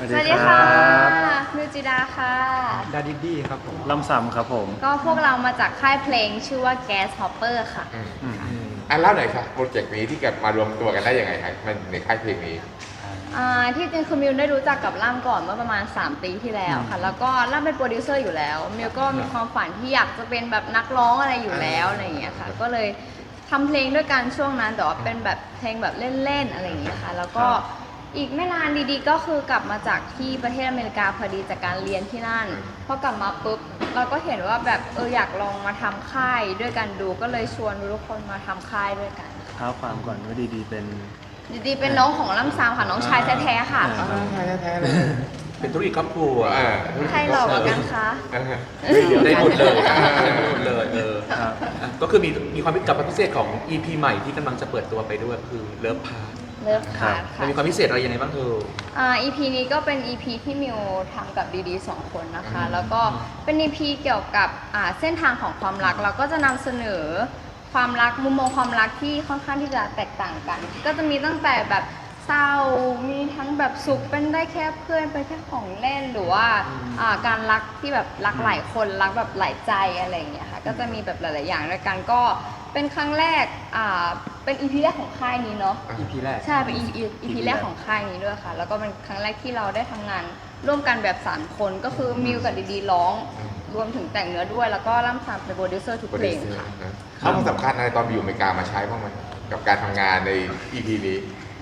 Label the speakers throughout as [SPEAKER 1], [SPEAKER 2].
[SPEAKER 1] สวัสดีค่ะมิวจิดาค่ะ
[SPEAKER 2] ดาดิดี้ครับผม
[SPEAKER 3] ลำซ้ำครับผม
[SPEAKER 1] ก็พวกเรามาจากค่ายเพลงชื่อว่า Gas Hopper ค่ะ
[SPEAKER 4] เล่าหน่อยครับโปรเจกต์นี้ที่เกิดมารวมตัวกันได้ยังไงครับมันในค่ายเพลงนี้
[SPEAKER 1] ที่จริงคือมิวได้รู้จักกับล่ามก่อนเมื่อประมาณ3 ปีที่แล้วค่ะแล้วก็ล่ามเป็นโปรดิวเซอร์อยู่แล้วมิวก็มีความฝันที่อยากจะเป็นแบบนักร้องอะไรอยู่แล้วอะไรอย่างเงี้ยค่ะก็เลยทำเพลงด้วยกันช่วงนั้นแต่ว่าเป็นแบบเพลงแบบเล่นๆอะไรอย่างเงี้ยค่ะแล้วก็อีกไม่นานดีๆก็คือกลับมาจากที่ประเทศอเมริกาพอดีจากการเรียนที่นั่นพอกลับมาปุ๊บเราก็เห็นว่าแบบอยากลองมาทำค่ายด้วยกันดูก็เลยชวนทุกคนมาทำค่ายด้วยกัน
[SPEAKER 3] เท้าความก่อนว่าดีๆเป็น
[SPEAKER 1] เป็นน้องของล่ำซามค่ะน้องชายแท้ๆค่ะ
[SPEAKER 4] ชายแท้ๆเลย
[SPEAKER 2] เป็นธุรกิจครอบครัว
[SPEAKER 1] ใครหลอกกันคะ
[SPEAKER 2] ได้หมดเลยได้หมดเลยก็คือมีความพิเศษของ EP ใหม่ที่กำลังจะเปิดตัวไปด้วยคือเลิฟพาร์
[SPEAKER 1] เลิฟพาร์
[SPEAKER 2] ค่ะมีความพิเศษอะไรยังไงบ้างเธอ
[SPEAKER 1] EP นี้ก็เป็น EP ที่มิวทำกับดีๆ2 คนนะคะแล้วก็เป็น EP เกี่ยวกับเส้นทางของความรักเราก็จะนำเสนอความรักมุมมองความรักที่ค่อนข้างที่จะแตกต่างกันก็จะมีตั้งแต่แบบเศร้ามีทั้งแบบสุขเป็นได้แค่เพื่อนเป็นแค่ของเล่นหรือว่าการรักที่แบบรักหลายคนรักแบบหลายใจอะไรอย่างเงี้ยค่ะก็จะมีแบบหลายๆอย่างด้วยกันก็เป็นครั้งแรกเป็น EP แรกของค่ายนี้เนาะ
[SPEAKER 2] EP แรก
[SPEAKER 1] ใช่เป็น EP แรกของค่ายนี้ด้วยค่ะแล้วก็เป็นครั้งแรกที่เราได้ทำงานร่วมกันแบบ3 คนก็คือมิวกับดีๆร้องรวมถึงแต่งเนื้อด้วยแล้วก็ล่ำซามเป็นโปรดิวเซอร์ทุกเพลงค่ะ
[SPEAKER 4] เขาสำคัญอะไรตอนไปอยู่อเมริกามาใช้บ้างไหมกับการทำงานใน EP นี้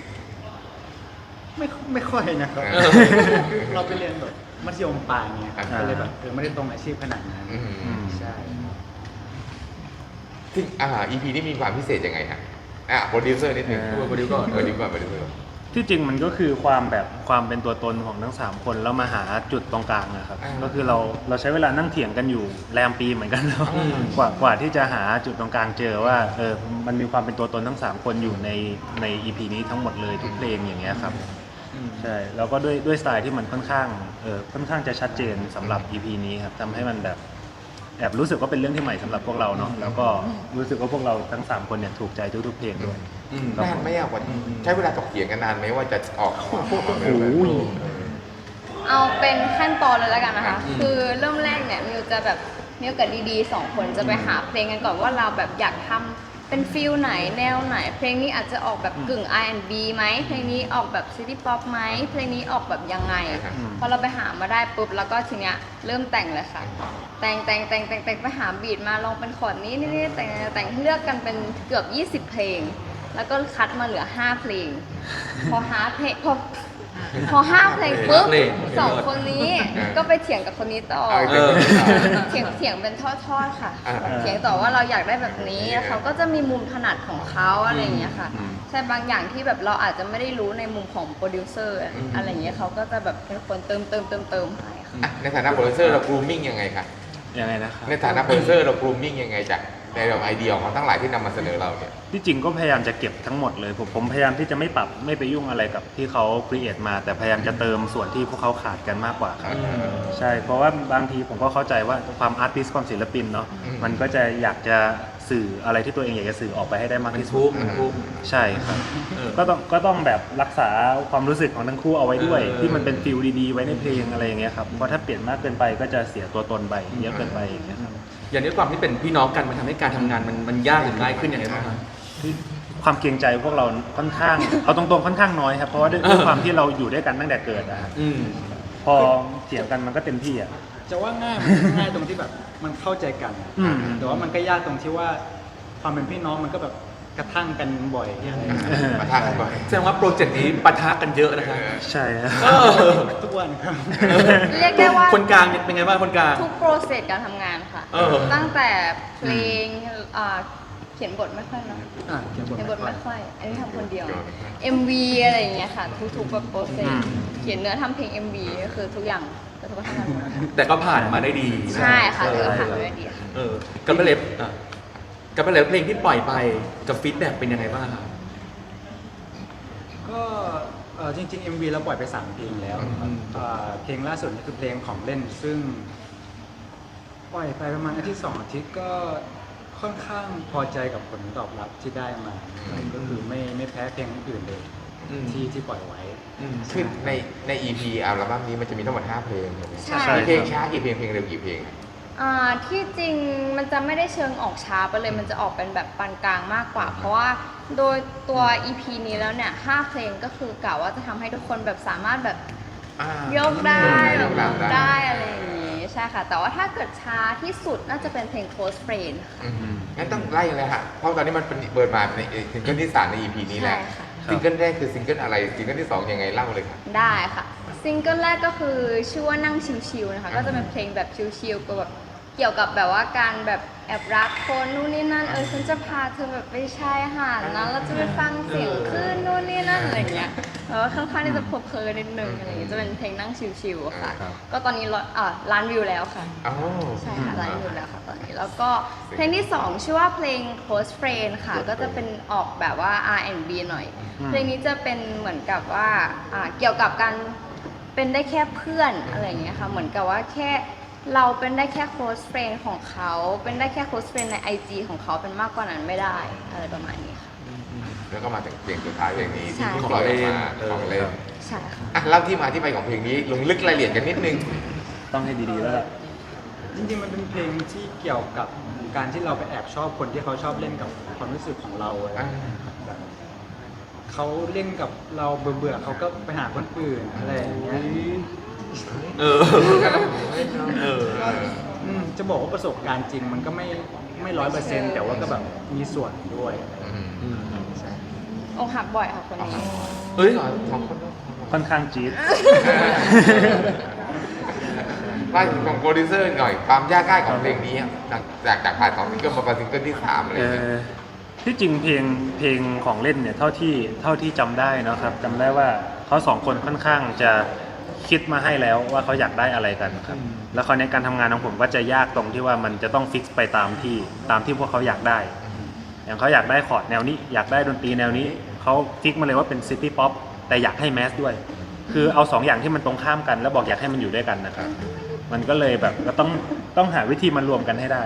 [SPEAKER 2] ไม่ค่อยนะครับเราไปเรียนแบบมัธยมปลายเนี่ยก็เลยแบบไม่ได้ตรงอาชีพขนาดนั้นใช่
[SPEAKER 4] ซึ่งEP นี้มีความพิเศษยังไงฮะโปรดิวเซอร์นิดนึงโปรดิวก่อน
[SPEAKER 3] ที่จริงมันก็คือความเป็นตัวตนของทั้ง3 คนแล้วมาหาจุดตรงกลางนะครับก็คือเราใช้เวลานั่งเถียงกันอยู่แรมปีเหมือนกันแล้วกว่าที่จะหาจุดตรงกลางเจอว่ามันมีความเป็นตัวตนทั้ง3 คนอยู่ใน EP นี้ทั้งหมดเลยทุกเพลงอย่างเงี้ยครับใช่แล้วก็ด้วยสไตล์ที่มันค่อนข้างจะชัดเจนสำหรับ EP นี้ครับทำให้มันแบบแอบรู้สึกว่าเป็นเรื่องที่ใหม่สำหรับพวกเราเนาะแล้วก็รู้สึกว่าพวกเราทั้ง3 คนเนี่ยถูกใจทุกๆเพลงด้วย
[SPEAKER 4] นานไหมกว่าใช้เวลาถกเถียงกันนานไหมว่าจะออก
[SPEAKER 1] เอาเป็นขั้นตอนเลยแล้วกันนะคะคือเริ่มแรกเนี่ยมิวกับดีๆ2 คนจะไปหาเพลงกันก่อนว่าเราแบบอยากทำเป็นฟิลไหนแนวไหนเพลงนี้อาจจะออกแบบกึ่ง R&B ไหมเพลงนี้ออกแบบซิตี้ป๊อปไหมเพลงนี้ออกแบบยังไงพอเราไปหามาได้ปุ๊บแล้วก็ทีเนี้ยเริ่มแต่งเลยค่ะแต่งไปหาบีทมาลองเป็นคอร์ดนี้นี่แต่งเลือกกันเป็นเกือบ20 เพลงแล้วก็คัดมาเหลือ5 เพลงพอ5 เพลงปุ๊บ2 คนนี้ก็ไปเถียงกับคนนี้ต่อเถียงเป็นทอดๆค่ะเถียงต่อว่าเราอยากได้แบบนี้เขาก็จะมีมุมถนัดของเขาอะไรอย่างเงี้ยค่ะใช่บางอย่างที่แบบเราอาจจะไม่ได้รู้ในมุมของโปรดิวเซอร์อะไรอย่างเงี้ยเขาก็จะแบบเป็นคนเติมให้ค่ะ
[SPEAKER 4] ในฐานะโปรดิวเซอร์เรากรูมมิ่งยังไงคะ
[SPEAKER 3] ยังไงนะครับ
[SPEAKER 4] ในฐานะโปรดิวเซอร์เรากรูมมิ่งยังไงจากในไอเดียของทั้งหลายที่นำมาเสนอเราเนี่ย
[SPEAKER 3] ที่จริงก็พยายามจะเก็บทั้งหมดเลยผมพยายามที่จะไม่ปรับไม่ไปยุ่งอะไรกับที่เขาครีเอทมาแต่พยายามจะเติมส่วนที่พวกเขาขาดกันมากกว่าครับใช่เพราะว่าบางทีผมก็เข้าใจว่าความอาร์ติสต์ความศิลปินเนาะมันก็จะอยากจะสื่ออะไรที่ตัวเองอยากจะสื่อออกไปให้ได้มากที่สุดใช่ครับก็ต้องแบบรักษาความรู้สึกของทั้งคู่เอาไว้ด้วยที่มันเป็นฟิลดีๆไว้ในเพลงอะไรอย่างเงี้ยครับเพราะถ้าเปลี่ยนมากเกินไปก็จะเสียตัวตนไปเยอะเกินไปอย่างเงี้ยครับ
[SPEAKER 2] อย่างนี้ความที่เป็นพี่น้องกันมันทำให้การทำงานมันยากหรือง่ายขึ้นอย่างไรบ้างครับ
[SPEAKER 3] ความเกรงใจพวกเราค่อนข้างเอาตรงๆค่อนข้างน้อยครับเพราะว่าด้วยความที่เราอยู่ด้วยกันตั้งแต่เกิดนะครับพอเถียงกันมันก็เต็มที่อ่ะ
[SPEAKER 5] จะว่าง่ายตรงที่แบบมันเข้าใจกันแต่ว่ามันก็ยากตรงที่ว่าความเป็นพี่น้องมันก็แบบกระทั่งกันบ่อย
[SPEAKER 4] ปะทะกันบ่อย
[SPEAKER 2] แสดงว่าโปรเจกต์นี้ปะทะกันเยอะนะครับ
[SPEAKER 3] ใช่ครับ
[SPEAKER 5] ทุกวันครับ
[SPEAKER 1] เรียกได้ว่า
[SPEAKER 2] คนกลางเป็นไงบ้างคนกลาง
[SPEAKER 1] ทุกโปรเซสการทำงานค่ะตั้งแต่เพลงเขียนบทไม่ค่อยเนาะเขียนบทไม่ค่อยอันนี้ทำคนเดียว MV อะไรอย่างเงี้ยค่ะทุกแบบโปรเซสเขียนเนื้อทำเพลง MV ก็คือทุกอย่างก็ทุกทำงานหมด
[SPEAKER 2] แต่ก็ผ่านมาได้ดี
[SPEAKER 1] ใช่ค่ะแต่ก็ผ่านมาได้ดีค่ะ
[SPEAKER 2] กับเพลงที่ปล่อยไปกับฟีดแบ็กเป็นยังไงบ้างครับ
[SPEAKER 5] ก็จริงๆ MV เราปล่อยไป3 เพลงแล้วเพลงล่าสุดนี่คือเพลงของเล่นซึ่งปล่อยไปประมาณอาทิตย์2 อาทิตย์ก็ค่อนข้างพอใจกับผลตอบรับที่ได้มาก็คือไม่แพ้เพลงอื่นเลย
[SPEAKER 2] อืม
[SPEAKER 5] ที่ปล่อยไว้
[SPEAKER 4] คือใน EP อัลบั้มนี้มันจะมีทั้งหมด5เพลงใช่ไหม
[SPEAKER 1] ใช่
[SPEAKER 4] มีเพลงช้ากี่เพลงเพลงเร็วกี่เพลง
[SPEAKER 1] ที่จริงมันจะไม่ได้เชิงออกช้าไปเลยมันจะออกเป็นแบบปานกลางมากกว่า เพราะว่าโดยตัว EP นี้แล้วเนี่ย5เพลงก็คือกะว่าจะทำให้ทุกคนแบบสามารถแบบยกได้
[SPEAKER 4] ย
[SPEAKER 1] แบบ
[SPEAKER 4] กได้
[SPEAKER 1] ได้อะไรอย่างนี้ใช่ค่ะ แต่ว่าถ้าเกิดช้าที่สุดน่าจะเป็นเพลง Close Friend ค่ะ
[SPEAKER 4] งั้นต้องไล่เลยฮะเพราะตอนนี้มันเป็นเปิดมาในซิงเกิลที่3ใน EP นี้แหละ
[SPEAKER 1] ใช่ค่ะ
[SPEAKER 4] ซิงเกิลแรกคือซิงเกิลอะไรซิงเกิลที่2ยังไงเล่าเลยครับ
[SPEAKER 1] ได้ค่ะซิงเกิลแรกก็คือชื่อว่านั่งชิวๆนะคะก็จะเป็นเพลงแบบชิวๆก็แบบเกี่ยวกับแบบว่าการแบบแอบรักคนนู่นนี่นั่นฉันจะพาเธอแบบไปชายหาดนะเราจะไปฟังเสียงคลื่นนู่นนี่นั่นอะไรเงี้ยแล้วค่อนข้างที่จะเพลินๆนิดนึงอะไรเงี้ยจะเป็นเพลงนั่งชิวๆค่ะ
[SPEAKER 3] ครับ
[SPEAKER 1] ก็ตอนนี้ล้านวิวแล้วค่ะ
[SPEAKER 4] อ๋อ
[SPEAKER 1] ใช่ค่ะล้านวิวแล้วค่ะตอนนี้แล้วก็เพลงที่ 2 ชื่อว่าเพลง Close Friend ค่ะ ก็จะเป็นออกแบบว่า R&B หน่อย เพลงนี้จะเป็นเหมือนกับว่าเกี่ยวกับการเป็นได้แค่เพื่อนอะไรอย่างเงี้ยค่ะเหมือนกับว่าแค่เราเป็นได้แค่ close friend ของเขาเป็นได้แค่ close friend ใน IG ของเขาเป็นมากกว่านั้นไม่ได้อะไรประมาณนี้ค่ะ
[SPEAKER 4] แล้วก็มาถึงเพลงสุดท้ายเพลงนี้
[SPEAKER 1] ใช่
[SPEAKER 4] ที่ปล่อยออกมาของเล่น
[SPEAKER 1] ใช่ค่ะ
[SPEAKER 4] เล่าที่มาที่ไปของเพลงนี้ลงลึกรายละเอียดกันนิดนึง
[SPEAKER 3] ต้องให้ดีๆแล้วล่ะ
[SPEAKER 5] จริงๆมันเป็นเพลงที่เกี่ยวกับการที่เราไปแอบชอบคนที่เขาชอบเล่นกับความรู้สึกของเราอะไรอย่างเงี้ยแบบเขาเล่นกับเราเบื่อๆเขาก็ไปหาคนอื่นอะไรอย่างเงี้ย
[SPEAKER 2] เออเออ
[SPEAKER 5] จะบอกว่าประสบการณ์จริงมันก็ไม่100%แต่ว่าก็แบบมีส่วนด้วยอะไรอย่างเงี้ย ใช่
[SPEAKER 1] อกหักบ่อยค่ะคนนี้
[SPEAKER 2] เอ้ย
[SPEAKER 4] สองคนด้วย
[SPEAKER 3] ค่อนข้างจี๊ด
[SPEAKER 4] ว่าของโปรดิวเซอร์หน่อยความยากง่ายของเพลงนี้จากผ่านของซิงเกิลมาเป็นซิงเกิลที่3อะไรอย่างเงี้ย
[SPEAKER 3] ที่จริงเพลงของเล่นเนี่ยเท่าที่จำได้นะครับจำได้ว่าเขาสองคนค่อนข้างจะคิดมาให้แล้วว่าเขาอยากได้อะไรกันครับแล้วคราวนี้การทำงานของผมก็จะยากตรงที่ว่ามันจะต้องฟิกไปตามที่พวกเขาอยากได้ อย่างเขาอยากได้คอร์ดแนวนี้อยากได้ดนตรีแนวนี้เขาฟิกมาเลยว่าเป็นซิตี้ป๊อปแต่อยากให้แมสด้วย คือเอา2อย่างที่มันตรงข้ามกันแล้วบอกอยากให้มันอยู่ด้วยกันนะครับมันก็เลยแบบก็ต้องหาวิธีมารวมกันให้ได้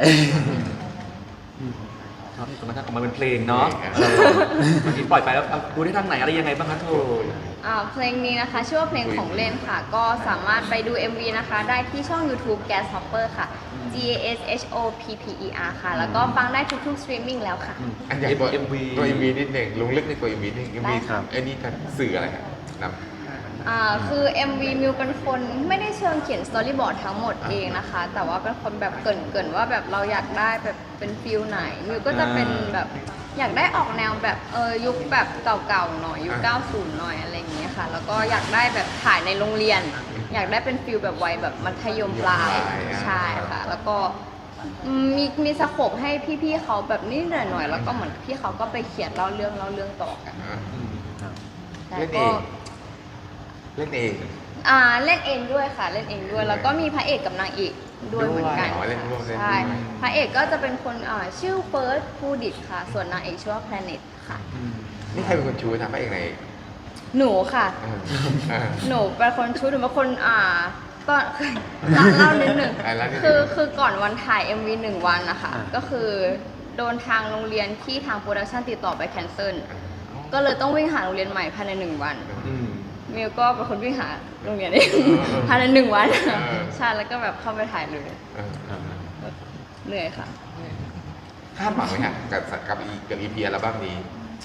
[SPEAKER 2] ครับจนกระทั่งออกมาเป็นเพลงเนาะวันนี้ปล่อยไปแล้วดูได้ทางไหนอะไรยังไงบ้างคะโท
[SPEAKER 1] เพลงนี้นะคะชื่อว่าเพลงของเล่นค่ะ ก็สามารถไปดู MV นะคะได้ที่ช่อง YouTube Gas Hopper ค่ะ GASHOPPER ค่ะ แล้วก็ฟังได้ทุกๆ streaming แล้วค่ะ
[SPEAKER 4] อันอย่างตัว
[SPEAKER 2] MV
[SPEAKER 4] นิดหนึ่งลงลึกในตัว MV นิดนึง MV
[SPEAKER 3] ครับ
[SPEAKER 4] ไอ้นี่จะสื่ออะไรครับน
[SPEAKER 1] คือ MV มิวเป็นคนไม่ได้เชิงเขียนสตอรี่บอร์ดทั้งหมดเองนะคะ แต่ว่าเป็นคนแบบเกรินว่าแบบเราอยากได้แบบเป็นฟิลไหนมิวก็จะเป็นแบบอยากได้ออกแนวแบบยุคแบบเก่าๆหน่อยยุค 90 หน่อยอะไรอย่างเงี้ยค่ะ แล้วก็อยากได้แบบถ่ายในโรงเรียน อยากได้เป็นฟิลแบบวัยแบบมัธยมปลายใช่ค่ะ แล้วก็มีสโคปให้พี่ๆเขาแบบนิดหน่อยๆแล้วก็เหมือนพี่เขาก็ไปเขียนเล่าเรื่องต่อกัน
[SPEAKER 4] ำ
[SPEAKER 1] แต่
[SPEAKER 4] เล่นเอ
[SPEAKER 1] ก็
[SPEAKER 4] งเล่นเอง
[SPEAKER 1] เล่นเองด้วยค่ะเล่นเองด้วยแล้วก็มีพระเอกกับนางเอกด้วยเหมือนกัน
[SPEAKER 4] เล่นร่วมเล่น
[SPEAKER 1] ใช่
[SPEAKER 4] ด้วย
[SPEAKER 1] พระเอกก็จะเป็นคนชื่อเฟิร์สภูดิตค่ะ ส่วนนางเอกชื่อว่าแพลเน็ตค่ะ
[SPEAKER 4] นี่ใครเป็นคนชูทำให้เองใน
[SPEAKER 1] หนูค่ะ หนูเป็นคนชุดหนูเป็นคนก็ เล่านิดหนึ่งคือก่อนวันถ่าย MV 1 วันนะคะก็คือโดนทางโรงเรียนที่ทางโปรดักชันติดต่อไปแคนเซิลก็เลยต้องวิ่งหาโรงเรียนใหม่ภายใน1 วัน มิวก็เป็นคนวิ่งหาโรงเรียนเองภายใน1 วันใช่แล้วก็แบบเข้าไปถ่ายเลยเหนื่อยค่ะ
[SPEAKER 4] คาดหวังไหมฮะกับEP อัลบั้มนี้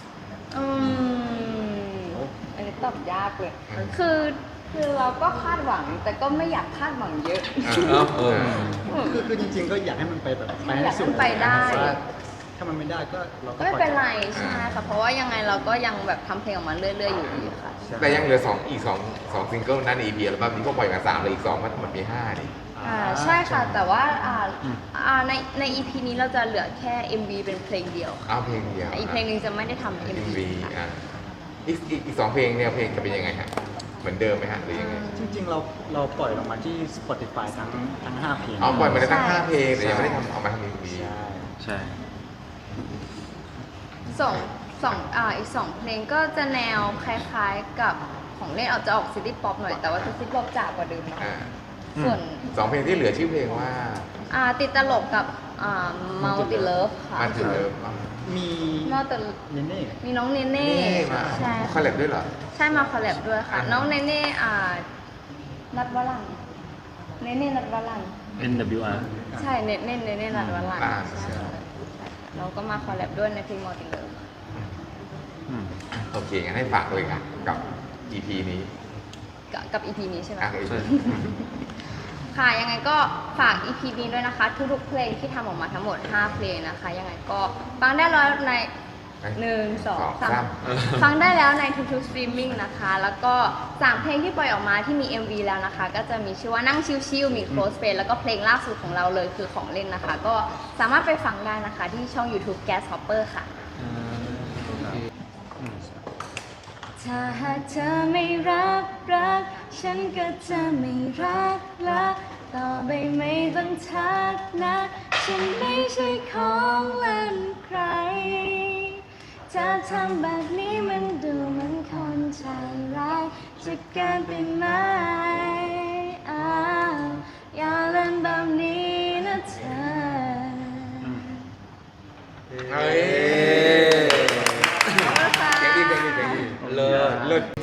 [SPEAKER 1] อันนี้ตอบยากเลยคือเราก็คาดหวังแต่ก็ไม่อยากคาดหวังเยอะ
[SPEAKER 5] คือจริงๆก็อยากให้มันไปแบบไปให้สุด
[SPEAKER 1] อยากให้มันไปได้
[SPEAKER 5] แต่ว่าถ้ามันไม่ได้ก็เราก็
[SPEAKER 1] ไม่เป็นไร
[SPEAKER 5] พอใจ
[SPEAKER 1] ใช่ค่ะเพราะว่ายังไงเราก็ยังแบบทำเพลงออกมาเรื่อยๆอยู่ดีค่ะ
[SPEAKER 4] แต่ยังเหลืออีก2ซิงเกิลนั่น EP อัลบั้มนี้ก็ปล่อยมา3เลยอีก2มันทั้งหมดมี5นี่
[SPEAKER 1] ใช่ค่ะแต่ว่าใน EP นี้เราจะเหลือแค่ MV เป็นเพลงเดียวค่ะ
[SPEAKER 4] เอาเพลงเดียว
[SPEAKER 1] อีกเพลงหนึงจะไม่ได้ทำ MV ค่ะ
[SPEAKER 4] อีก2เพลงเนี่ยเพลงจะเป็นยังไงฮะเหมือนเดิมไหมฮะหรือยังไง
[SPEAKER 5] จริงๆเราปล่อยลงมาที่ Spotify ทั้ง5เพลง
[SPEAKER 4] ปล่อยมาได้ตั้ง
[SPEAKER 1] ใช่
[SPEAKER 4] 5เพลงแต่ยังไม่ได้เอามาทำ MV
[SPEAKER 5] ใช่
[SPEAKER 3] ใช่
[SPEAKER 1] อีก 2 เพลงก็จะแนวคล้ายๆกับของเล่นจะออกซิตี้ป๊อปหน่อยแต่ว่าจะซิตี้ป๊อปจ๋ากว่าเดิมหน่อยส่วน
[SPEAKER 4] 2เพลงที่เหลือชื่อเพลงว่า
[SPEAKER 1] ติดตลกกับมัลติเลิฟค่ะ
[SPEAKER 4] มันถึงเริ่ม
[SPEAKER 5] มี
[SPEAKER 1] มัลติ
[SPEAKER 5] เนเน่
[SPEAKER 1] มีน้องเนเน่
[SPEAKER 4] นี่มา
[SPEAKER 1] ใช่
[SPEAKER 4] คอลแลบด้วยเหรอ
[SPEAKER 1] ใช่มาคอลแลบด้วยค่ะ น้องเนเน่นัดวลันเนเน่นัดวลัน
[SPEAKER 3] NWR
[SPEAKER 1] ใช่เนเน่นัดวลัน
[SPEAKER 4] อ่า
[SPEAKER 1] ใช่ค่ะเราก็มาคอลแลบด้วยในเพลงมัลติเลิฟ
[SPEAKER 3] อืม
[SPEAKER 4] โอเคงั้นให้ฝากเลยค่ะกับ EP นี้
[SPEAKER 1] กับ EP นี้ใช่ไหม
[SPEAKER 4] อ่ะ
[SPEAKER 2] ใช่
[SPEAKER 1] ค่ะยังไงก็ฝาก EP นี้ด้วยนะคะ ทุกๆเพลงที่ทำออกมาทั้งหมด 5 เพลงนะคะ ยังไงก็ฟังได้แล้วใน1 2 3ฟังได้แล้วในทุกๆสตรีมมิ่งนะคะ แล้วก็3เพลงที่ปล่อยออกมาที่มี MV แล้วนะคะ ก็จะมีชื่อว่านั่งชิลๆมี Close Friend แล้วก็เพลงล่าสุดของเราเลยคือของเล่นนะคะ ก็สามารถไปฟังได้นะคะที่ช่อง YouTube Gas Hopper ค่ะ ถ้าหากเธอไม่รัก ฉันก็จะไม่รักละต่อไปไม่ต้องทักนะ ฉันไม่ใช่ของเล่นใคร ถ้าทำแบบนี้มันดูเหมือนคนใจร้ายจะเกินไปไหมอ้าวอย่าเล่นแบบนี้นะเธอ
[SPEAKER 4] เฮ้ย
[SPEAKER 1] ขอบคุณค่ะ
[SPEAKER 4] เจ๋งดี
[SPEAKER 2] เลิศ
[SPEAKER 4] เลิศ